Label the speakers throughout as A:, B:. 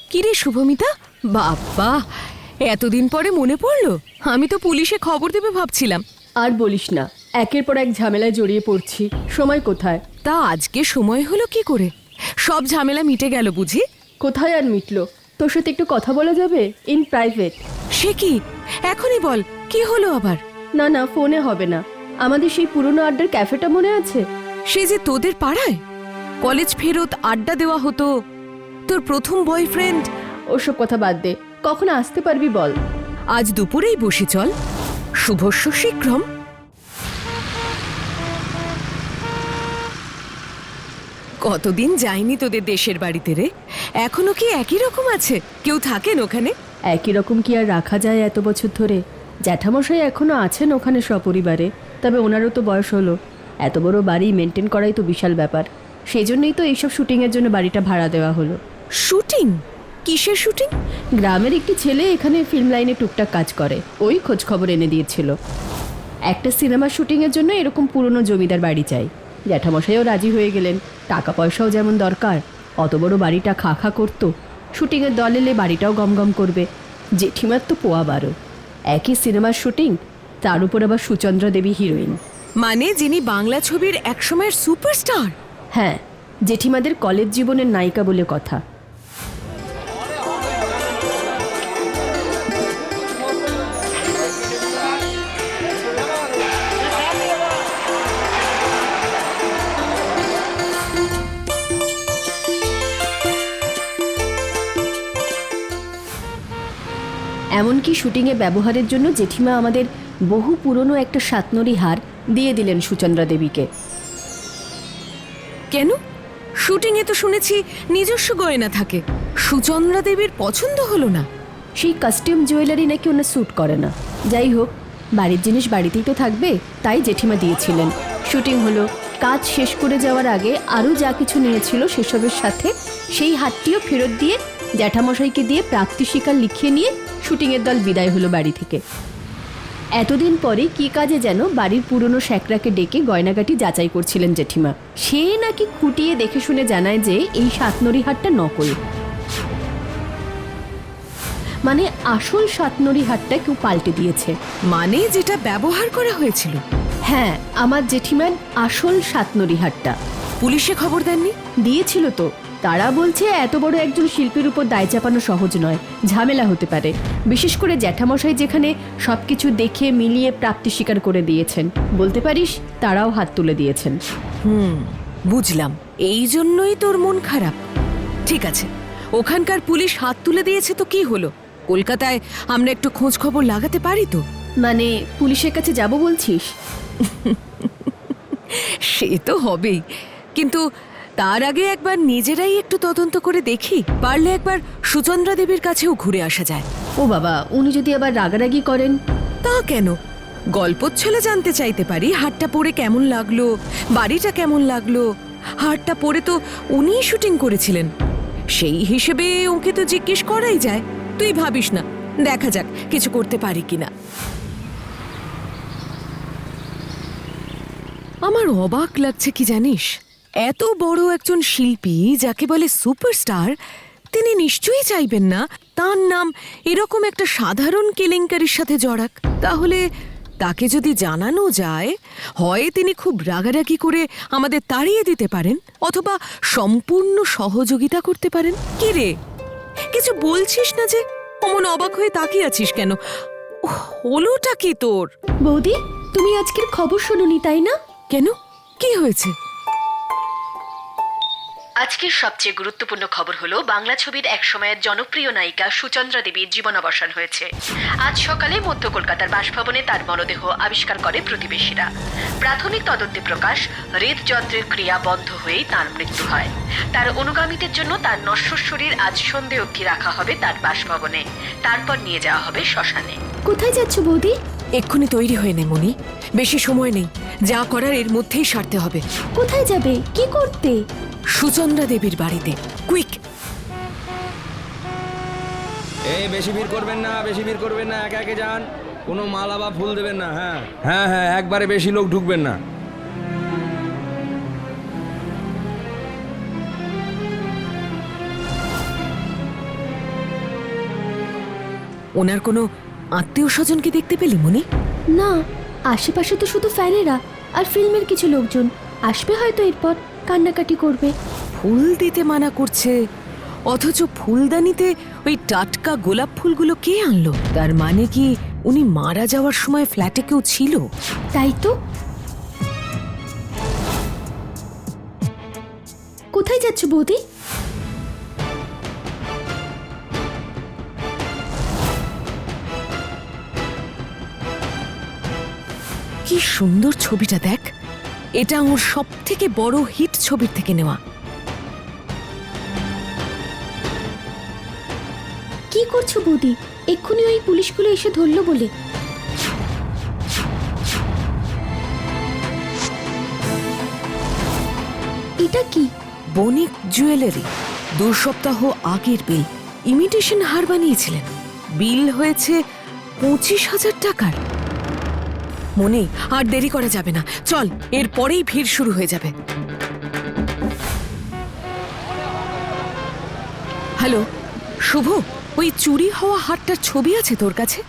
A: কিরে শুভমিতা, বাবা এতদিন পরে মনে পড়লো। আমি তো পুলিশে খবর দেবে ভাবছিলাম।
B: আর বলিস না, একের পর এক ঝামেলায় জড়িয়ে পড়ছি, সময় কোথায়।
A: তা আজকে সময় হলো কি করে? সব ঝামেলা মিটে গেল বুঝি?
B: কোথায় আর মিটলো? তোর সাথে একটু কথা বলা যাবে, ইন প্রাইভেট?
A: সে কি, এখনই বল, কি হলো আবার?
B: না না, ফোনে হবে না। আমাদের সেই পুরনো আড্ডার ক্যাফেটা মনে আছে?
A: সে যে তোদের পাড়ায় কলেজ ফেরত আড্ডা দেওয়া হতো, তোর প্রথম বয়ফ্রেন্ড।
B: ওসব কথা বাদ দে, কখন আসতে পারবি বল?
A: আজ দুপুরেই বসে চল, শুভস্য শীঘ্রম। কতদিন যাইনি তোদের দেশের বাড়িতে রে, এখনো কি একই রকম আছে? কেউ থাকেন ওখানে?
B: একই রকম কি আর রাখা যায় এত বছর ধরে? জ্যাঠামশাই এখনো আছেন ওখানে সপরিবারে, তবে ওনারও তো বয়স হলো। এত বড় বাড়ি মেনটেন করাই তো বিশাল ব্যাপার। সেই জন্যই তো এইসব শুটিংয়ের জন্য বাড়িটা ভাড়া দেওয়া হলো।
A: শুটিং? কিসের শুটিং?
B: গ্রামের একটি ছেলে এখানে ফিল্ম লাইনে টুকটাক কাজ করে, ওই খোঁজ খবর এনে দিয়েছিল। একটা সিনেমা শুটিংয়ের জন্য এরকম পুরনো জমিদার বাড়ি চাই। জ্যাঠামশাইও রাজি হয়ে গেলেন, টাকা পয়সাও যেমন দরকার। অত বড় বাড়িটা খা খা করতো, শুটিংয়ের দল এলে বাড়িটাও গমগম করবে। জেঠিমার তো পোয়া বারো, একই সিনেমার শুটিং, তার উপর আবার সুচন্দ্রা দেবী হিরোইন।
A: মানে যিনি বাংলা ছবির একসময়ের সুপারস্টার?
B: হ্যাঁ, জেঠিমাদের কলেজ জীবনের নায়িকা বলে কথা। এমনকি শুটিংয়ে ব্যবহারের জন্য জেঠিমা আমাদের বহু পুরনো একটা সাতনরি হার দিয়ে দিলেন সুচন্দ্রা দেবীকে।
A: কেন? শুটিংয়ে তো শুনেছি নিজস্ব গয়না থাকে। সুচন্দ্রা দেবীর পছন্দ হলো না?
B: সেই কাস্টিউম জুয়েলারি নাকি ওনার স্যুট করে না। যাই হোক, বাড়ির জিনিস বাড়িতেই তো থাকবে, তাই জেঠিমা দিয়েছিলেন। শুটিং হলো, কাজ শেষ করে যাওয়ার আগে আরও যা কিছু নিয়েছিল সেসবের সাথে সেই হাতটিও ফেরত দিয়ে জ্যাঠামশাইকে দিয়ে প্রাপ্তি স্বীকার লিখিয়ে নিয়ে শুটিংয়ের দল বিদায় হলো বাড়ি থেকে। এতদিন পরে কি কাজে যেন বাড়ির পুরনো শ্যাকরাকে ডেকে গয়নাগাটি যাচাই করছিলেন জেঠিমা। সে নাকি খুঁটিয়ে দেখে শুনে জানায় যে এই সাতনরি হারটা নকল। মানে আসল সাতনরি হারটা কেউ পাল্টে দিয়েছে।
A: মানে যেটা ব্যবহার করা হয়েছিল?
B: হ্যাঁ, আমার জেঠিমার আসল সাতনরি হারটা।
A: পুলিশে খবর দেননি?
B: দিয়েছিল তো। তারা বলছে এত বড় একজন শিল্পীর উপর দায় চাপানো সহজ নয়, ঝামেলা হতে পারে। বিশেষ করে জ্যাঠামশাই যেখানে সবকিছু দেখে মিলিয়ে প্রাপ্তি স্বীকার করে দিয়েছেন, বলতে পারিস তারাও হাত তুলে দিয়েছেন।
A: বুঝলাম, এই জন্যই তোর মন খারাপ। ঠিক আছে, ওখানকার পুলিশ হাত তুলে দিয়েছে তো কি হলো? কলকাতায় আমরা একটু খোঁজ খবর লাগাতে পারি তো?
B: মানে পুলিশের কাছে যাব বলছিস?
A: সে তো হবেই, কিন্তু তার আগে একবার নিজেরাই একটু তদন্ত করে দেখি। পারলে একবার সুচন্দ্রা দেবীর কাছেও ঘুরে আসা যায়।
B: ও বাবা, উনি যদি আবার রাগারাগি করেন?
A: তা কেন? গল্পচ্ছলে জানতে চাইতে পারি হারটা পরে কেমন লাগলো, বাড়িটা কেমন লাগলো। হারটা পরে তো উনিই শুটিং করেছিলেন, সেই হিসেবে ওকে তো জিজ্ঞেস করাই যায়। তুই ভাবিস না, দেখা যাক কিছু করতে পারি কিনা। আমার অবাক লাগছে কি জানিস, এত বড় একজন শিল্পী যাকে বলে সুপারস্টার, তিনি নিশ্চয়ই চাইবেন না তার নাম এরকম একটা সাধারণ কেলেঙ্কারির সাথে জড়াক। তাহলে তাকে যদি জানানো যায়, হয় তিনি খুব রাগারাগি করে আমাদের তাড়িয়ে দিতে পারেন, অথবা সম্পূর্ণ সহযোগিতা করতে পারেন। কি রে, কিছু বলছিস না যে? অমন অবাক হয়ে তাকিয়ে আছিস কেন? হলোটা কি তোর?
B: বৌদি, তুমি আজকের খবর শোনোনি তাই না?
A: কেন, কি হয়েছে?
B: আজকের সবচেয়ে গুরুত্বপূর্ণ খবর হলো বাংলা ছবির একসময়ের জনপ্রিয় নায়িকা সুচন্দ্রা দেবীর জীবনাবসান হয়েছে। আজ সকালে মধ্য কলকাতার বাসভবনে তার মরদেহ আবিষ্কার করে প্রতিবেশীরা। প্রাথমিক তদন্তে প্রকাশ, হৃদযন্ত্রের ক্রিয়া বন্ধ হয়েই তার মৃত্যু হয়। তার অনুগামীদের জন্য তার নশ্বর শরীর আজ সন্ধে অবধি রাখা হবে তার বাসভবনে, তারপর নিয়ে যাওয়া হবে শ্মশানে। কোথায় যাচ্ছ বৌদি?
A: এক্ষুনি তৈরি হয়ে নে মনি, বেশি সময় নেই। যা করার এর মধ্যেই সারতে হবে।
B: কোথায় যাবে, কি করতে?
A: সুচন্দ্রা দেবীর বাড়িতে, কুইক।
C: এই বেশি ভিড় করবেন না, বেশি ভিড় করবেন না, একে একে যান। কোনো মালা বা ফুল দেবেন না। হ্যাঁ হ্যাঁ হ্যাঁ, একবারে বেশি লোক ঢুকবেন না।
A: ওনার কোনো আত্মীয় স্বজনকে দেখতে পেলি মনি?
B: না, আশেপাশে তো শুধু ফ্যানেরা আর ফিল্মের কিছু লোকজন আসবে, হয়তো এরপর কান্নাকাটি করবে।
A: ফুল দিতে মানা করছে, অথচ ফুলদানিতে ওই টাটকা গোলাপ ফুলগুলো কে আনলো? তার মানে কি উনি মারা যাওয়ার সময় ফ্ল্যাটে কেউ ছিল?
B: তাই তো। কোথায় যাচ্ছ বৌদি?
A: কি সুন্দর ছবিটা দেখ, এটা ওর সব থেকে বড় হিট ছবির থেকে নেওয়া।
B: কি করছো বৌদি? এক্ষুনি ওই পুলিশগুলো এসে ধরলো বলে। এটা কি?
A: বণিক জুয়েলারি, 2 সপ্তাহ আগের বিল। ইমিটেশন হার বানিয়েছিলেন, বিল হয়েছে 25,000 টাকার। মনে আর দেরি করা যাবে না, চল, এরপরেই ভিড় শুরু হয়ে যাবে। হ্যালো শুভ, ওই চুরি হওয়া হারটার ছবি আছে তোর কাছে?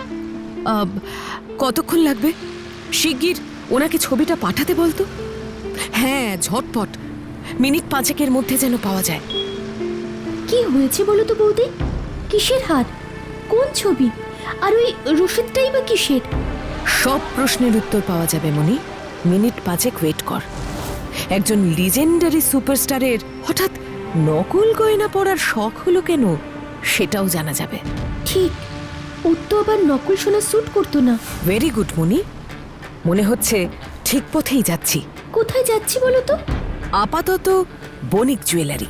A: কতক্ষণ লাগবে? শিগগির ওনাকে ছবিটা পাঠাতে বলতো। হ্যাঁ, ঝটপট, মিনিট 5 মধ্যে যেন পাওয়া যায়।
B: কি হয়েছে বলো তো বৌদি? কিসের হার? কোন ছবি? আর ওই রসিদটাই বা কিসের?
A: সব প্রশ্নের উত্তর পাওয়া যাবে মনি, মিনিট 5 ওয়েট কর। একজন লিজেন্ডারি সুপারস্টারের হঠাৎ নকল গয়না পরার শখ হলো কেন, সেটাও জানা যাবে।
B: ঠিক, ওর তো আবার নকল সোনা স্যুট করতো না।
A: ভেরি গুড মনি, মনে হচ্ছে ঠিক পথেই যাচ্ছি।
B: কোথায় যাচ্ছি বলো তো?
A: আপাতত বণিক জুয়েলারি।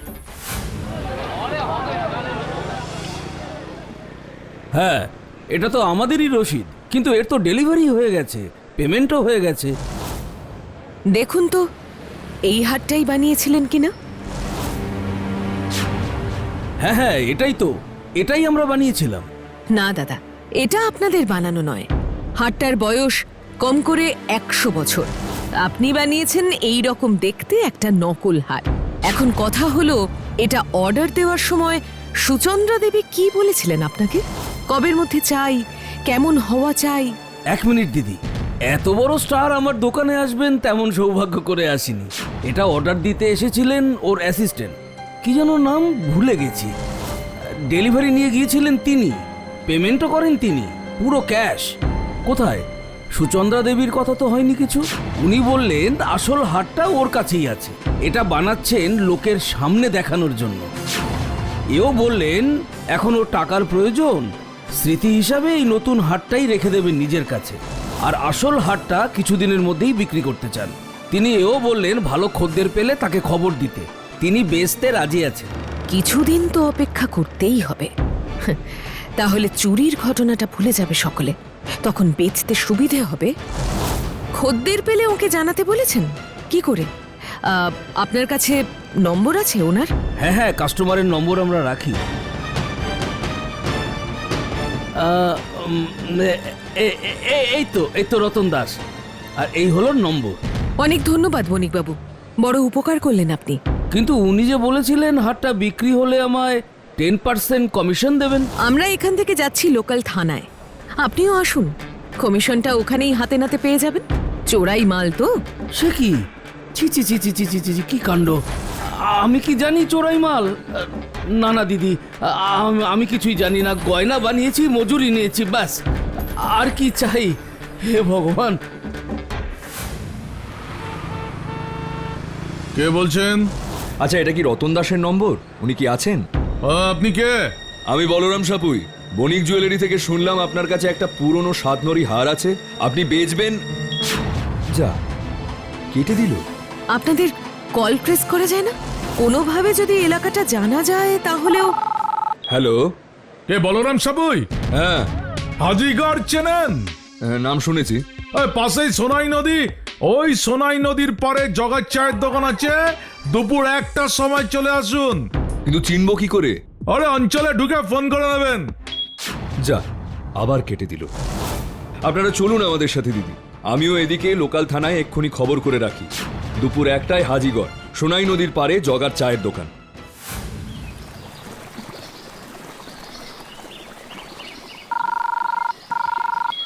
D: হ্যাঁ, এটা তো আমাদেরই রসিদ, কিন্তু এর তো ডেলিভারি হয়ে গেছে, পেমেন্টও হয়ে গেছে।
A: দেখুন তো এই হারটাই বানিয়েছিলেন কিনা।
D: হ্যাঁ হ্যাঁ, এটাই আমরা বানিয়েছিলাম।
A: না দাদা, এটা আপনাদের বানানো নয়। হারটার বয়স কম করে 100 বছর। আপনি বানিয়েছেন এই রকম দেখতে একটা নকল হার। এখন কথা হলো, এটা অর্ডার দেওয়ার সময় সুচন্দ্রা দেবী কি বলেছিলেন আপনাকে? কবের মধ্যে চাই, কেমন হওয়া চাই?
D: 1 মিনিট দিদি, এত বড় স্টার আমার দোকানে আসবেন তেমন সৌভাগ্য করে আসিনি। এটা অর্ডার দিতে এসেছিলেন ওর অ্যাসিস্ট্যান্ট, কি যেন নাম ভুলে গেছি। ডেলিভারি নিয়ে গিয়েছিলেন তিনি, পেমেন্টও করেন তিনি, পুরো ক্যাশ। কোথায়? সুচন্দ্রা দেবীর কথা তো হয়নি কিছু। উনি বললেন আসল হারটা ওর কাছেই আছে, এটা বানাচ্ছেন লোকের সামনে দেখানোর জন্য। এও বললেন এখন ওর টাকার প্রয়োজন, স্মৃতি হিসাবে এই নতুন হারটাই রেখে দেবেন নিজের কাছে, আর আসল হারটা কিছুদিনের মধ্যেই বিক্রি করতে চান। তিনি এও বললেন ভালো খদ্দের পেলে তাকে খবর দিতে, তিনি বেচতে রাজি আছেন।
A: কিছুদিন তো অপেক্ষা করতেই হবে। তাহলে চুরির ঘটনাটা ভুলে যাবে সকলে, তখন বেচতে সুবিধে হবে। খদ্দের পেলে ওকে জানাতে বলেছেন কি করে? আপনার কাছে নম্বর আছে ওনার?
D: হ্যাঁ হ্যাঁ, কাস্টমারের নম্বর আমরা রাখি। এই তো রতন দাস, আর এই হলো নম্বর।
A: অনেক ধন্যবাদ বণিকবাবু, বড় উপকার করলেন আপনি।
D: কিন্তু উনি যে বলেছিলেন হারটা বিক্রি হলে আমায় 10% কমিশন দেবেন।
A: আমরা এখান থেকে যাচ্ছি লোকাল থানায়, আপনিও আসুন, কমিশনটা ওখানেই হাতে নাতে পেয়ে যাবেন। চোরাই মাল তো।
D: সে কি? ছি ছি ছি ছি ছি ছি ছি, কি কাণ্ড! আমি কি জানি চোরাই মাল? না না দিদি, আমি কিছুই জানি না। গয়না বানিয়েছি, মজুরি নিয়েছি, ব্যাস। আর কি চাই? হে ভগবান!
E: কে বলছেন?
F: আচ্ছা, এটা কি রতন দাসের নম্বর? উনি কি আছেন?
E: আপনি কে?
F: আমি বলরাম সাপুই, বণিক জুয়েলারি থেকে শুনলাম আপনার কাছে একটা পুরনো সাতনরি হার আছে, আপনি বেচবেন। যা, কেটে দিল।
A: আপনাদের কল ট্রেস করা যায় না? কোনোভাবে যদি এলাকাটা জানা যায় তাহলেও।
F: হ্যালো,
E: কে বলরাম সাপুই?
F: হ্যাঁ,
E: হাজিগড় চেনেন?
F: নাম শুনেছি।
E: ওই পাশেই সোনাই নদী, ওই সোনাই নদীর পরে জগার চায়ের দোকান আছে। দুপুর 1টার সময় চলে আসুন।
F: কিন্তু চিনব কি করে?
E: আরে অঞ্চলে ঢুকে ফোন করে নেবেন।
F: যা, আবার কেটে দিল। আপনারা চলুন আমাদের সাথে দিদি, আমিও এদিকে লোকাল থানায় এক্ষুনি খবর করে রাখি। দুপুর 1টায় হাজিগড়, সোনাই নদীর পারে জগার চায়ের দোকান।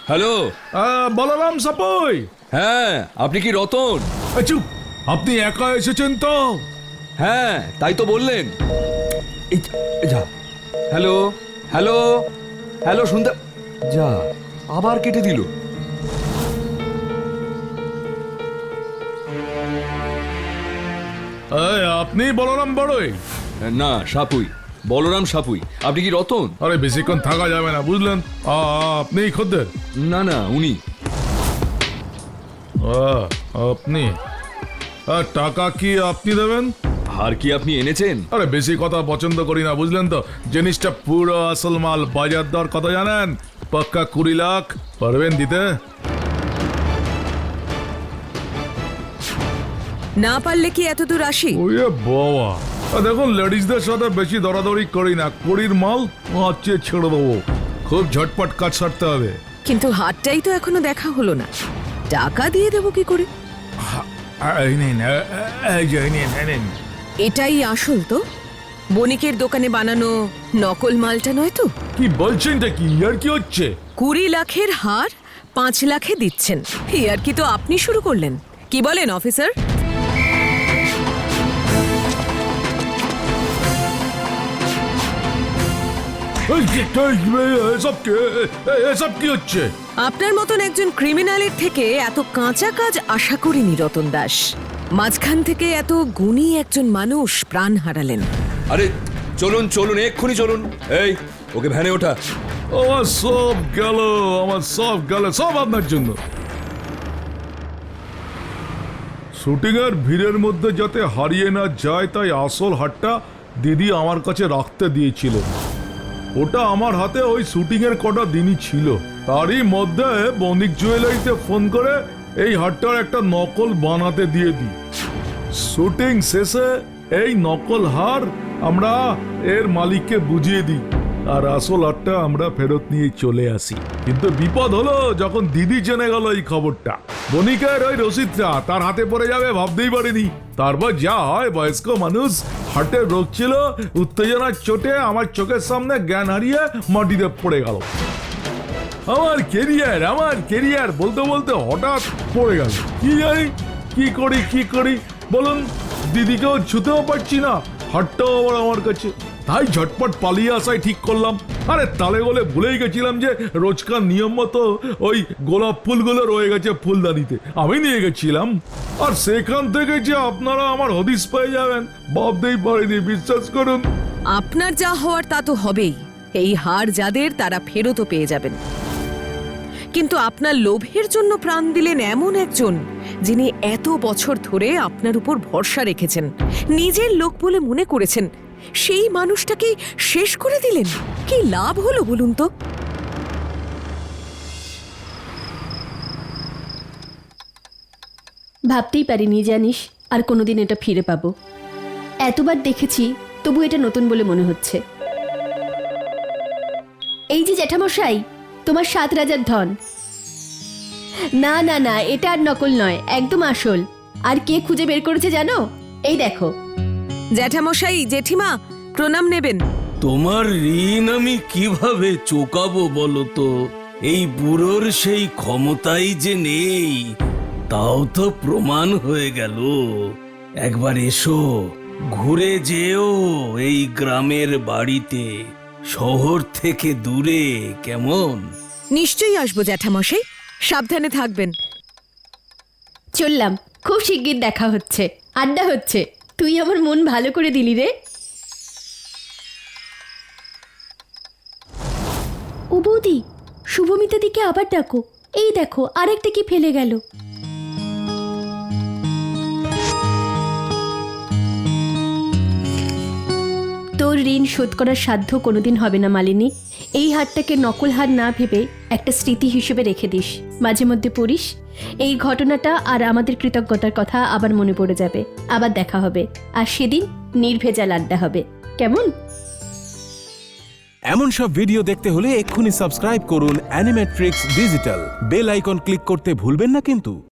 F: হ্যালো।
E: বলরাম সাপই।
F: হ্যাঁ, আপনি কি রতন?
E: চুপ, আপনি একা এসেছেন তো?
F: হ্যাঁ, তাই তো বললেন। যা। হ্যালো হ্যালো হ্যালো, শুনতে যা, আবার কেটে দিল।
E: আপনি বলরাম বড়ই?
F: না, সাপুই, বলরাম সাপুই। আপনি কি রতন?
E: আরে বেশিক্ষণ থাকা যাবে না, বুঝলেন? আপনি খদ্দের?
F: না না, উনি।
E: আপনি টাকা কি আপনি দেবেন?
F: হার কি আপনি এনেছেন?
E: আরে বেশি কথা পছন্দ করি না, বুঝলেন তো? জিনিসটা পুরো আসল মাল। বাজার দর কত জানেন? পাক্কা 20 লাখ। পারবেন দিতে?
A: না পারলে কি এত দূর আসি?
E: ওয়ে বাবা, দেখুন লেডিসদের সাথে বেশি দরাদরি করি না। 20 মাল আচ্ছা ছেড়ে দেবো। খুব ঝটপট কাজ সারতে হবে।
A: কিন্তু হাটটাই তো এখনো দেখা হলো না, টাকা দিয়ে দেবো কি করে?
E: এই নিন, এই যে নিন, নিন।
A: এটাই আসল তো? বণিকের দোকানে বানানো নকল মালটা নয় তো?
E: কি বলছেন? কি আর কি হচ্ছে?
A: 20 লাখের হার 5 লাখে দিচ্ছেন, আর কি তো আপনি শুরু করলেন। কি বলেন অফিসার?
E: এসব কি হচ্ছে?
A: আপনার মতন একজন ক্রিমিনালের থেকে এত কাঁচা কাজ আশা করিনি রতন দাস। মাঝখান থেকে এত গুণী একজন মানুষ প্রাণ হারালেন।
F: আরে চলুন চলুন, এক্ষুনি চলুন। এই, ওকে ভ্যানে ওঠা।
E: আমার সব গেল, আমার সব গেল, সব আপনার জন্য। শুটিং এর ভিড়ের মধ্যে যাতে হারিয়ে না যায়, তাই আসল হাটটা দিদি আমার কাছে রাখতে দিয়েছিল। ওটা আমার হাতে ওই শুটিং এর কটা দিনই ছিল। তারই মধ্যে বণিক জুয়েলারিতে ফোন করে এই হাটটার একটা নকল বানাতে দিয়ে দিই। শুটিং শেষে এই নকল হার আমরা এর মালিককে বুঝিয়ে দিই, আর আসল হারটা আমরা ফেরত নিয়ে চলে আসি। কিন্তু বিপদ হলো যখন দিদি জেনে গেল এই খবরটা। বণিকের ওই রসিদটা তার হাতে পড়ে যাবে ভাবতেই পারিনি। তারপর যা হয়, বয়স্ক মানুষ, হার্টের রোগ ছিল, উত্তেজনার চোটে আমার চোখের সামনে জ্ঞান হারিয়ে মাটিতে পড়ে গেল। আমার কেরিয়ার বলতে বলতে হঠাৎ পড়ে গেল। কি জানি কি করি বলুন? দিদিকেও ছুতেও পারছি না, হাটটাও আবার আমার কাছে। তাই ঝটপট পালিয়ে আসাই ঠিক করলাম। আরে তালে বলে ভুলেই গেছিলাম যে রোজকার নিয়ম মতো ওই গোলাপ ফুলগুলো রয়ে গেছে ফুলদানিতে, আমি নিয়ে গেছিলাম। আর সেখান থেকে যে আপনারা আমার হদিস পেয়ে যাবেন ভাবতেই পারিনি, বিশ্বাস করুন।
A: আপনার যা হওয়ার তা তো হবেই। এই হার যাদের, তারা ফেরতও পেয়ে যাবেন। কিন্তু আপনার লোভের জন্য প্রাণ দিলেন এমন একজন, যিনি এত বছর ধরে আপনার উপর ভরসা রেখেছেন, নিজের লোক বলে মনে করেছেন, সেই মানুষটাকে শেষ করে দিলেন। কি লাভ হলো বলুন তো?
B: ভাবতেই পারিনি জানিস আর কোনোদিন এটা ফিরে পাবো। এতবার দেখেছি, তবু এটা নতুন বলে মনে হচ্ছে। এই যে জ্যাঠামশাই, তোমার 7 রাজার ধন। না না না, এটা আর নকল নয়, একদম আসল। আর কে খুঁজে বের করেছে জানো? এই দেখো।
A: জ্যাঠামশাই, জেঠিমা, প্রণাম নেবেন।
D: তোমার ঋণ আমি কিভাবে চোকাবো বলো তো? এই বুড়োর সেই ক্ষমতাই যে নেই, তাও তো প্রমাণ হয়ে গেল। একবার এসো, ঘুরে যেও এই গ্রামের বাড়িতে, শহর থেকে দূরে, কেমন?
A: নিশ্চয়ই আসবো জ্যাঠামশাই, সাবধানে থাকবেন।
B: চললাম, খুব শিগগির দেখা হচ্ছে, আড্ডা হচ্ছে। তুই আমার মন ভালো করে দিলি রে। ও বৌদি, শুভমিতা দিকে আবার ডাকো। এই দেখো, আরেকটা কি ফেলে গেল। তোর ঋণ শোধ করার সাধ্য কোনোদিন হবে না মালিনী। এই হারটাকে নকল হার না ভেবে একটা স্মৃতি হিসেবে রেখে দিস, মাঝে মধ্যে পড়িস। এই ঘটনাটা আর আমাদের কৃতজ্ঞতার কথা আবার মনে পড়ে যাবে। আবার দেখা হবে, আর সেদিন নির্ভেজাল আড্ডা হবে, কেমন?
G: এমন সব ভিডিও দেখতে হলে এক্ষুনি সাবস্ক্রাইব করুন Animetrics Digital. Bell icon click করতে ভুলবেন না কিন্তু।